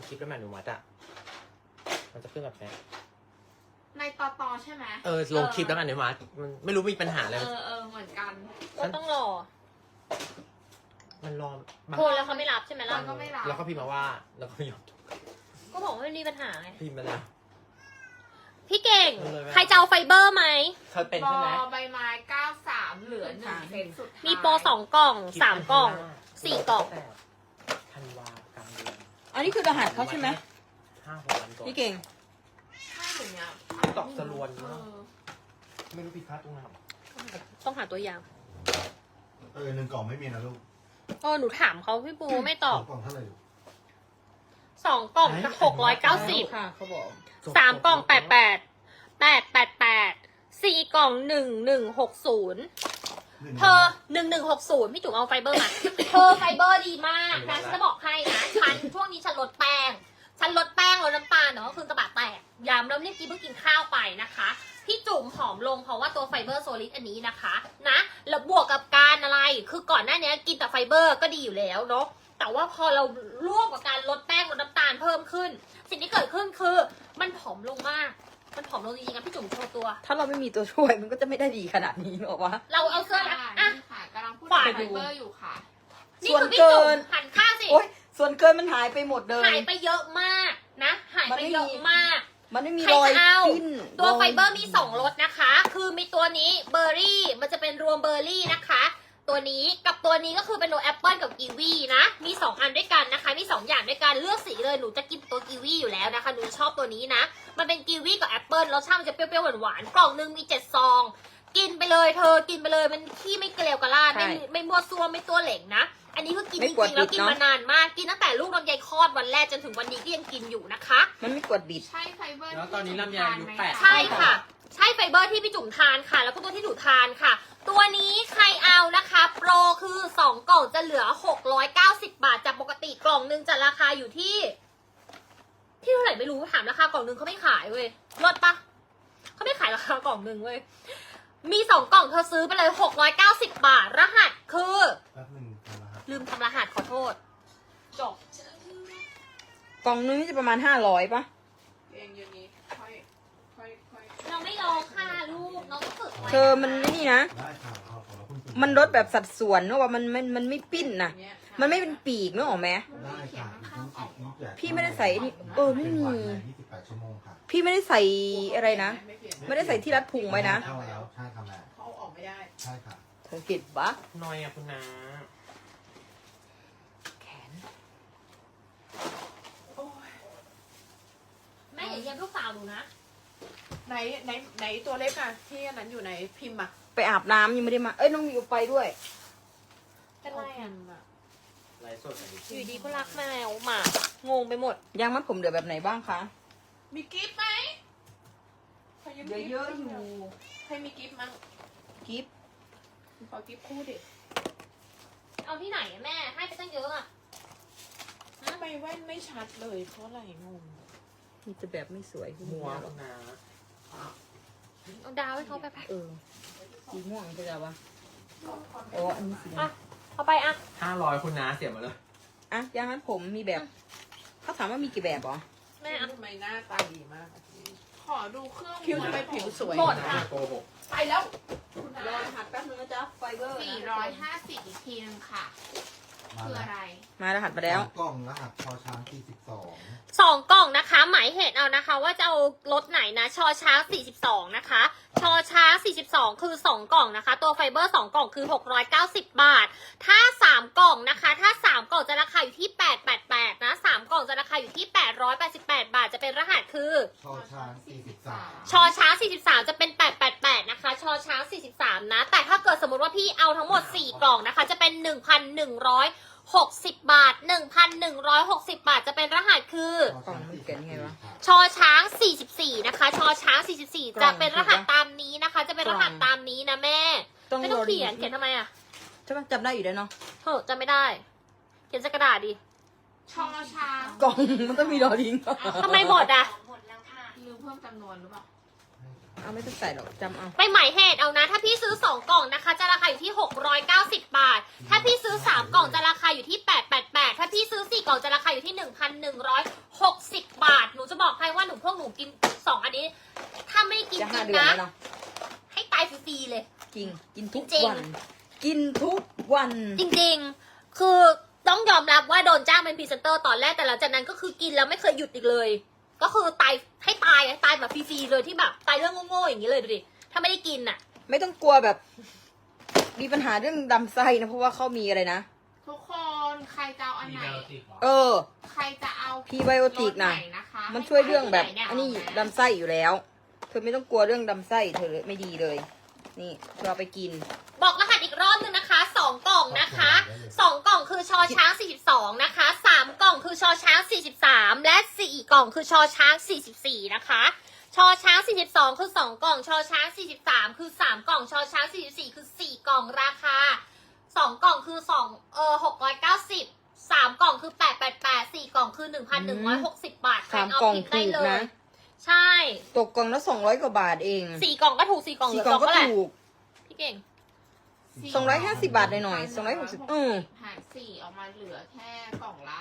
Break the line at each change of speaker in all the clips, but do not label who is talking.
คลิปแล้วแม่หนูมัดอะมันจะขึ้นแบบนี้
ในตอใช่ไหม
ลงคลิปแล้วแม่หนูมัดมันไม่รู้มีปัญหาอะไร
เหมือนกัน
ก็ต้องรอ
มันรอ
โทรแล้วเขาไม่รับใช่ไหมล่ะ
ก็ไม่รับ
แล้วก็พิมพ์มาว่าแล้วก็ไม่ยอม
ก็บอกว่าไม่มีปัญหาไง
พิมพ์มาแล้ว
พี่เก่ง
เอาเลยไหม
ใครจะเอาไฟเบอร์ไหม
เธอเป็น
บ
ใช่ไหม
ใบไม้93เหลือ1เซตสุดท้าย
มีโปร2 กล่อง 3 กล่อง 4 กล่อง
ธันวากลางเดือน
อันนี้คือรหัสเขาใช่ไหม
5-6 วันก่อน
พี่เก่ง
ใช่หรือเนี่ย
ตอกสลวน
เอ
เนอะ
อ
ไม่รู้ผิดพลาดตรงไหน
ต้องหาตัวอย่าง
1 กล่องไม่มีนะลูก
หนูถามเขาพี่ปูไม่ตอบ
2 กล่องเท่าไหร่ลูก
2 กล่อง690
ค่ะเขาบอก
3 กล่อง888 4 กล่อง1160 เธอ1160พี่จุ๋มเอาไฟเบอร์มา เธอไฟเบอร์ดีมากนะฉันจะบอกให้นะฉันช่วงนี้ฉันลดแป้งลดน้ำตาลเนาะคือกระบะแตกย้ำแล้วนี่เพิ่งกินข้าวไปนะคะพี่จุ๋มผอมลงเพราะว่าตัวไฟเบอร์โซลิดอันนี้นะคะนะแล้วบวกกับการอะไรคือก่อนหน้านี้กินแต่ไฟเบอร์ก็ดีอยู่แล้วเนาะแต่ว่าพอเราร่วมกับการลดแป้งลดน้ำตาลเพิ่มขึ้น สิ่งที่เกิดขึ้นคือมันผอมลงมากมันผอมลงจริงๆนะพี่จุ๋มโชว์ตัว
ถ้าเราไม่มีตัวช่วยมันก็จะไม่ได้ดีขนาดนี้หรอกวะ
เราเอาเสื้อนะอ่ะ
นี่ค่ะกำลังพูด
ขวา
ถึงไฟเบอร์อยู่ค่ะ
นี่
ส่วน
คือพี่
เกิ
จุ๋ม
น
หันข้างสิ
โอ๊ยส่วนเกินมันหายไปหมดเลย
หายไปเยอะมากนะหายไปเยอะมาก
มันไม่มี
ใคร
รอย
จะเอา
ปิ้น
ตัว
ย
ไฟเบอร์มี2รสนะคะ คือมีตัวนี้เบอร์รี่มันจะเป็นรวมเบอร์รี่นะคะ ตัวนี้กับตัวนี้ก็คือเป็นโนแอปเปิลกับกีวีนะมี2อันด้วยกันนะคะมี2อย่างด้วยกันเลือกสีเลยหนูจะกินตัวกีวีอยู่แล้วนะคะหนูชอบตัวนี้นะมันเป็นกีวีกับแอปเปิลรสชาติมันจะเปรี้ยวๆหวานๆกล่องนึงมี7 ซองกินไปเลยเธอกินไปเลยมันขี้ไม่เกลียวกระลาดไม่มั่วซั่วไม่ตัวเหล่งนะอันนี้คือกินจริงๆแล้วกินมานานมากกินตั้งแต่ลูกลำไยคลอดวันแรกจนถึงวันนี้ก็ยังกินอยู่นะคะ
มันไม่กวดบิด
ใช่ไฟเบอร์
แล้วตอนนี้ลำไยอายุ8
ใช่ค่ะ ใช่ไฟเบอร์ที่พี่จุ๋มทานค่ะ แล้วก็ตัวที่หนูทานค่ะ ตัวนี้ใครเอานะคะ โปรคือ 2 กล่องจะเหลือ 690 บาท จากปกติกล่องหนึงจะราคาอยู่ที่เท่าไหร่ไม่รู้ถามราคากล่องหนึงเขาไม่ขายเว้ยลดปะเขาไม่ขายราคากล่องหนึงเว้ยมี2 กล่องเธอซื้อไปเลย 690 บาท รหัสคือ
แป๊บหนึงนะครับ
ลืมทำรหัสขอโทษจบ
กล่องนึงนี่จะประมาณ500ปะ
เองอย่างนี้ค่อย
เราไม่รอค่ะลูกน้องต้องฝึกไว้
เธอมันนี่นะ
ได้ค่ะเอาของเราเพิ่งกิ
มันลดแบบสัดส่วนเนอะว่ามันไม่ปิ้นนะ
อย่างเงี้ย
มันไม่เป็นปีกเนอะหรอแม่
ได้ค่ะอีก
พี่ไม่ได้ใส่นี่ไม่มี
28 ชั่วโมงค่ะ
พี่ไม่ได้ใส่อะไรนะ ไม่ได้ใส่ที่รัดพุงไว้นะ
เข้าแล้วใช่ทำแล้ว
เขาออกไม่ได้
ใช่ค่ะ
เธอเห็นปะ
หน้อยอะคุณน้า
แขน
แม่อย่าเยี่ยมลูกสาวหนูนะ
ไหนตัวเล็กอะที่อันนั้นอยู่ในพิมพ์อะ
ไปอาบน้ำยังไม่ได้มา น้องมิวไปด้วย
เป็นไรอ่ะ
ไลฟ์สดอันนี้
อยู่ดีก็รักแมวหมางงไปหมด
ยางมัดผมเหลือแบบไหนบ้างคะ
มีกิฟต์ไหมใคร
เหลือเยอะอยู่
ใครมีกิฟต์มั้ง
กิฟต์
ขอกิฟต์คู่ดิ
เอาที่ไหนอะแม่ ให้ไปตั้งเยอะอ่ะ
ทำไมแว่นไม่ชัดเลยเพราะอะไรงง
มีแต่แบบไม่สวย
มัวคุณน้า
เอาดาวให้เขาไปไป
สีม่วงใช่ไหมวะอ๋ออันนี้สี
อ่ะเอาไปอ่ะ
500คุณน้าเสียมาเลย
อ่ะยางมัดผมมีแบบ เขาถามว่ามีกี่แบบเหรอ
แม่อ่ะ
ทำไมหน้าตาดีมากขอดูเครื่อง
คิวทำไมผิวสวย
หมดค่ะ
โกหก
ไปแล้ว
รอรหัสแป๊บนึงนะจ๊ะ ไฟเบอร์
450อีกทีนึงค่ะ
มา
คือ
แล้ว
อะไร
มารหัสมาแล้ว
กล่องรหัสพอช้าง42
2 กล่องนะคะ หมายเหตุเอานะคะ ว่าจะเอารถไหนนะ ชอช้าง42 นะคะ ชอช้าง42 คือ 2 กล่องนะคะ ตัวไฟเบอร์ 2 กล่องคือ 690 บาท ถ้า 3 กล่องนะคะ ถ้า 3 กล่องจะราคาอยู่ที่ 888 นะ 3 กล่องจะราคาอยู่ที่ 888 บาท จะเป็นรหัสคือ
พอช้าง43
ชอช้าง43 จะเป็น 888 นะคะ ชอช้าง43 นะ แต่ถ้าเกิดสมมติว่าพี่เอาทั้งหมด 4 กล่องนะคะ จะเป็น 1,160 บาท 1,160 บาท จะเป็นรหัสคือ
กล่องมันเขียนไงวะ
ชอช้าง 44 นะคะ ชอช้าง 44 จะเป็นรหัสตามนี้นะคะ จะเป็นรหัสตามนี้นะแม่ ไม่ต้องเขียน เขียนทำไมอ่ะ
ใช่ปะจำได้อยู่แล้วเนาะ
เฮ้ยจำไม่ได้ เขียนใส่กระดาษดิ
ชอช้าง
กล่องมันต้องมีรอลิง
ทำไมหมดอ่ะ
หรือเพิ่มจำนวนหรือเปล่า
เอาไม่ต้องใส่หรอกจำเอา
ไปหมายเหตุเอานะ ถ้าพี่ซื้อ2กล่องนะคะจะราคาอยู่ที่690 บาท ถ้าพี่ซื้อ3กล่องจะราคาอยู่ที่888ถ้าพี่ซื้อ4กล่องจะราคาอยู่ที่1,160 บาทหนูจะบอกให้ว่าพวกหนูกิน2อันนี้ ถ้าไม่กิน
จะ
จริ
5 เดือน
งนะ
แล้วเนาะ
ให้ตายฟรีๆเลย
จริง กินทุก
จริง
วัน กินทุกวัน
จริงๆ คือต้องยอมรับว่าโดนจ้างเป็นพรีเซนเตอร์ตอนแรกแต่หลังจากนั้นก็คือกินแล้วไม่เคยหยุดอีกเลย ก็คือตายให้ตายแบบฟรีๆเลยที่แบบตายเรื่องโง่ๆอย่างนี้เลยดูดิถ้าไม่ได้กินอ่ะ
ไม่ต้องกลัวแบบ มีปัญหาเรื่องลำไส้นะ เพราะว่าเขามีอะไรนะ
ทุกคนใครจะเอาอันไหน
เออ
ใครจะเอา
พรีไบโอติกนะ
รสไหนะคะ
มันช่วยเรื่องแบบ
ให้ใคร
อันนี้
ที่ไหเา
ลำไส้อยู่แล้ว เธอไม่ต้องกลัวเรื่องลำไส้เธอไม่ดีเลย นี่เธอเอาไปกิน
บอกรหัสอีกรอบนึงนะคะ2กล่องนะคะ2กล่องคือชอช้าง42นะคะ3กล่องคือชอช้าง43และ4กล่องคือชอช้าง44นะคะชอช้าง42คือ2กล่องชอช้าง43คือ3กล่องชอช้าง44คือ4กล่องราคา2กล่องคือ690 3กล่องคือ888 4กล่องคือ1,160 บาท
3 กล่อง
พิมพ์
ถู
ได้
ก
เลย
นะ
ใช่
ตกกล่องละ200 กว่าบาทเอง
4กล่องก็ถูก4กล่องเหลื
สี่
อก
ล่อง
กล่อง
ก็
ก็แหละ
ถูก
พี่เก่ง
250 บาทหน่อยๆ260
หาร4ออกมาเหลือแค่กล่องละ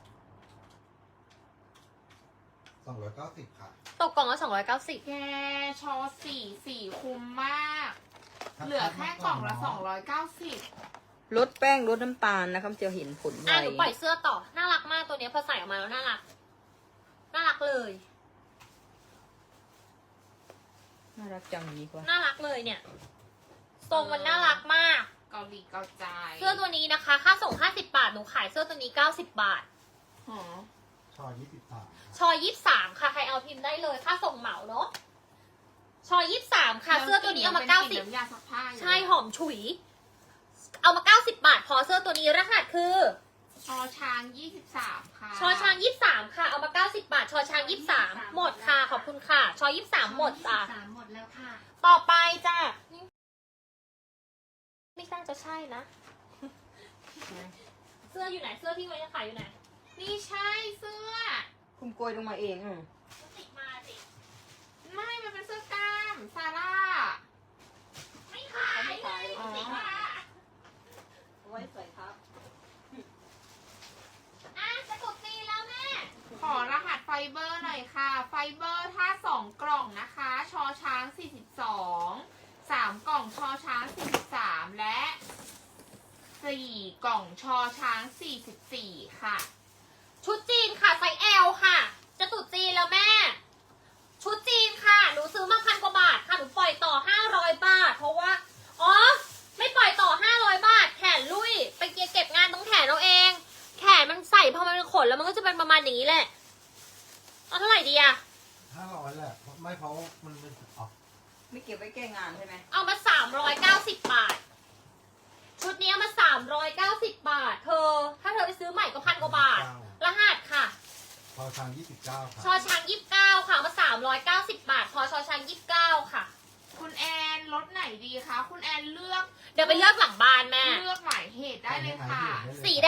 290 ค่ะ
ตกกล่องละ290
แกชอ4คุ้มมาก เหลือแค่กล่องละ290
ลดแป้งลดน้ำตาลนะครับจะเห็นผลไว
หนูปล่อยเสื้อต่อ น่ารักมากตัวเนี้ยพอใส่ออกมาแล้วน่ารัก น่ารักเลย
น่ารักจังดีกว่า
น่ารักเลยเนี่ย ทรงมันน่ารักมาก
เกาหลีเกาใจ
เสื้อตัวนี้นะคะ ค่าส่ง50 บาท หนูขายเสื้อตัวนี้90 บาท
หอ
ชอ23
ชอ23 ค่ะ ใครเอาพิมพ์ได้เลย ค่าส่งเหมาเนาะ ชอ23 ค่ะ เสื้อตัวนี้เอามา
น้ำยาซักผ้าอยู่
90 ใช่หอมฉุย เอามา90 บาท พอเสื้อตัวนี้รหัสคือ
ชอช้าง23ค่ะ
ชอช้าง23 ค่ะ เอามา90 บาท ชอช้าง23 หมดค่ะ ขอบคุณค่ะ ชอ23 หมดจ้ะ
หมดแล้วค่ะ
ต่อไปจ้ะไม่น่าจะใช่นะ เสื้ออยู่ไหน เสื้อที่ไว้จะขายอยู่ไหน
นี่ใช่เสื้อ
คุณโกยลงมาเอง
ติดมาสิ
ไม่ มันเป็นเสื้อกล้ามซาร่า
ไม่ขายเลย
อ๋อ
ติดมา
ไว้ใส่ครับ
อ่ะจะกดตีแล้วแม่
ขอรหัสไฟเบอร์หน่อยค่ะ ไฟเบอร์ถ้า2กล่องนะคะ ชอช้าง42 3กล่องชอช้าง43และ4กล่องชอช้าง44ค่ะ
ชุดจีนค่ะไซส์ L ค่ะ จะตุดจีนแล้วแม่ ชุดจีนค่ะ หนูซื้อมา1,000 กว่าบาทค่ะ หนูปล่อยต่อ500 บาท เพราะว่า อ๋อ ไม่ปล่อยต่อ500 บาท แขนลุย ไปเก็บงานตรงแขนเราเอง แขนมันใส่พอมันเป็นขนแล้วมันก็จะเป็นประมาณอย่างนี้แหละ เอาเท่าไหร่ดีอะ
500แหละ ไม่เพราะมันอ๋อ
ไม่เก็บไว้แก้งานใช่ไหม
เอามา390 บาท ชุดนี้เอามา390 บาท เธอ ถ้าเธอไปซื้อใหม่ก็1,000 กว่าบาท รหัสค่ะ
ชอช้าง29 ค่ะ
ชอช้าง29 ค่ะเอามา390 บาท พอชอช้าง29 ค่ะ
คุณแอนรถไหนดีคะ คุณแอนเลือก
เดี๋ยวไปเลือกหลังบ้านแม่
เลือกหมายเหตุได้เลยค่ะ
สีแดง